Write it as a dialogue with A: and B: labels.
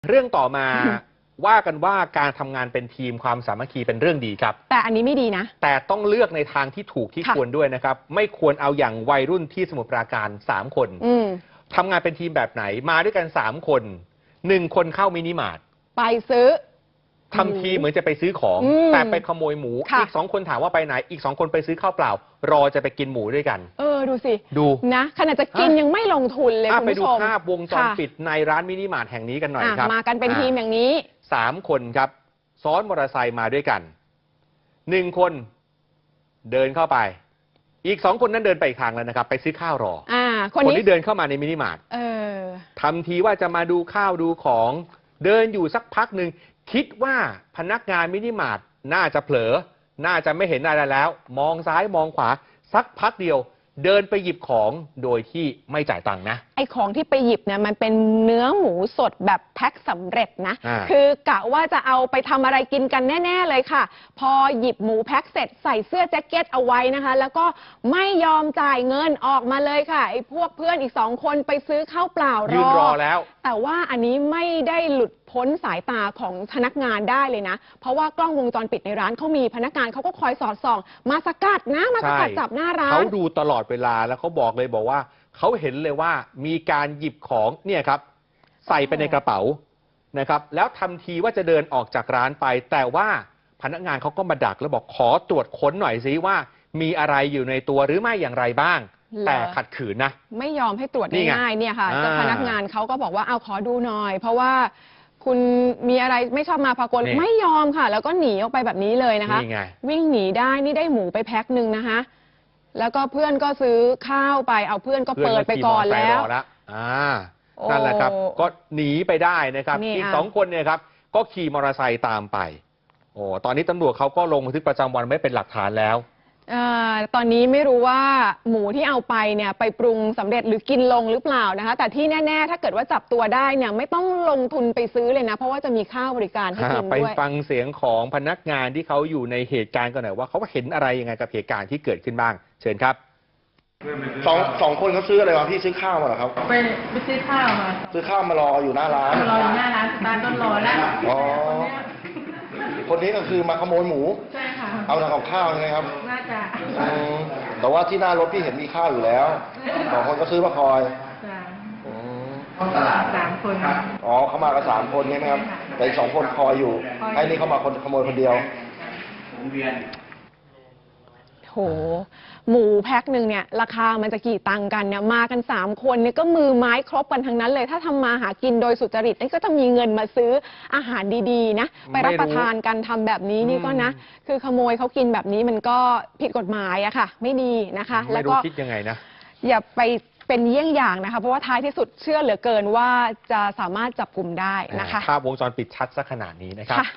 A: เรื่องต่อมาว่ากันว่าการทำงานเป็นทีมความสามัคคีเป็นเรื่องดีครับ
B: แต่อันนี้ไม่ดีนะ
A: แต่ต้องเลือกในทางที่ถูกที่ควรด้วยนะครับไม่ควรเอาอย่างวัยรุ่นที่สมุทรปราการ3 คนทำงานเป็นทีมแบบไหนมาด้วยกัน3 คน1 คนเข้ามินิมาร์ท
B: ไปซื้อ
A: ทำทีเหมือนจะไปซื้อของแต่ไปขโมยหมูอีก2 คนถามว่าไปไหนอีก2 คนไปซื้อข้าวเปล่ารอจะไปกินหมูด้วยกัน
B: ดูสิ
A: ดู
B: นะขนาดจะกินยังไม่ลงทุนเลยคุณผู้ชม
A: ไปดูภาพวงจรปิดในร้านมินิมาร์ทแห่งนี้กันหน่อยครับ
B: มากันเป็นทีมอย่างนี้
A: 3 คนครับซ้อนมอเตอร์ไซค์มาด้วยกัน1 คนเดินเข้าไปอีก2 คนนั้นเดินไปอีกทางแล้วนะครับไปซื้อข้าวรอคนที่เดินเข้ามาในมินิมาร์ททำทีว่าจะมาดูข้าวดูของเดินอยู่สักพักหนึ่งคิดว่าพนักงานมินิมาร์ทน่าจะเผลอน่าจะไม่เห็นอะไรแล้วมองซ้ายมองขวาสักพักเดียวเดินไปหยิบของโดยที่ไม่จ่ายตังค์นะ
B: ไอ้ของที่ไปหยิบเนี่ยมันเป็นเนื้อหมูสดแบบแพ็คสำเร็จนะคือกะว่าจะเอาไปทำอะไรกินกันแน่ๆเลยค่ะพอหยิบหมูแพ็คเสร็จใส่เสื้อแจ็คเก็ตเอาไว้นะคะแล้วก็ไม่ยอมจ่ายเงินออกมาเลยค่ะไอ้พวกเพื่อนอีก2 คนไปซื้อข้าวเปล่ารอ
A: ยืนรอแล้ว
B: แต่ว่าอันนี้ไม่ได้หลุดพ้นสายตาของพนักงานได้เลยนะเพราะว่ากล้องวงจรปิดในร้านเขามีพนักงานเขาก็คอยสอดส่องมาสกัดนะมาสกัดจับหน้าร้าน
A: เขาดูตลอดเวลาแล้วเขาบอกว่าเขาเห็นเลยว่ามีการหยิบของเนี่ยครับใส่ไปในกระเป๋านะครับแล้วทำทีว่าจะเดินออกจากร้านไปแต่ว่าพนักงานเขาก็มาดักแล้วบอกขอตรวจค้นหน่อยซิว่ามีอะไรอยู่ในตัวหรือไม่อย่างไรบ้างแต่ขัดขืนนะ
B: ไม่ยอมให้ตรวจง่ายๆเนี่ยค่ะเจ้าพนักงานเขาก็บอกว่าเอาขอดูหน่อยเพราะว่าคุณมีอะไรไม่ชอบมาพากลไม่ยอมค่ะแล้วก็หนีออกไปแบบนี้เลยนะคะวิ่งหนีได้นี่ได้หมูไปแพ็คหนึ่งนะคะแล้วก็เพื่อนก็ซื้อข้าวไปเอาเพื่อนก็เปิดไปก่อนแล้ว
A: นั่นแหละครับก็หนีไปได้นะครับอีก2 คนเนี่ยครับก็ขี่มอเตอร์ไซค์ตามไปตอนนี้ตำรวจเขาก็ลงบันทึกประจำวันไว้เป็นหลักฐานแล้ว
B: ตอนนี้ไม่รู้ว่าหมูที่เอาไปเนี่ยไปปรุงสำเร็จหรือกินลงหรือเปล่านะคะแต่ที่แน่ๆถ้าเกิดว่าจับตัวได้เนี่ยไม่ต้องลงทุนไปซื้อเลยนะเพราะว่าจะมีค่าบริการให้กินด้วย
A: ไปฟังเสียงของพนักงานที่เขาอยู่ในเหตุการณ์กันหน่อยว่าเขาเห็นอะไรยังไงกับเหตุการณ์ที่เกิดขึ้นบ้างเชิญครับ
C: สองคนเขาซื้ออะไรมาพี่ซื้อข้าวมาเหรอครับ
D: ไปซื้อข้าวมา
C: ซื้อข้าวมารออยู่หน้าร้าน
D: รออยู่หน้าร้านร้านก็รอแล้ว
C: คนนี้ก็คือมาขโมยหมู
D: ใช่ค่ะ
C: เอาทำกับข้าวใช่ไหมครับ
D: น่าจะ
C: แต่ว่าที่หน้ารถพี่เห็นมีข้าวอยู่แล้ว2 คนก็ซื้อมาคอย
D: ตลาด3 คน
C: เขามากัน3 คนใช่ไหมครับแต่อีก2 คนคอยอยู่ไอ้นี่เขามาขโมยคนเดียว
B: โหหมูแพ็คหนึ่งเนี่ยราคามันจะกี่ตังค์กันเนี่ยมากัน3 คนเนี่ยก็มือไม้ครบกันทั้งนั้นเลยถ้าทำมาหากินโดยสุจริตนี่ก็จะมีเงินมาซื้ออาหารดีๆนะไปรับประทานกันทำแบบนี้นี่ก็นะคือขโมยเขากินแบบนี้มันก็ผิดกฎหมายอะค่ะไม่ดีนะคะ
A: แล้วก็คิดยังไงนะ
B: อย่าไปเป็นเยี่ยงอย่างนะคะเพราะว่าท้ายที่สุดเชื่อเหลือเกินว่าจะสามารถจับกลุ่มได้นะคะ
A: ภาพวงจรปิดชัดซะขนาดนี้นะครับ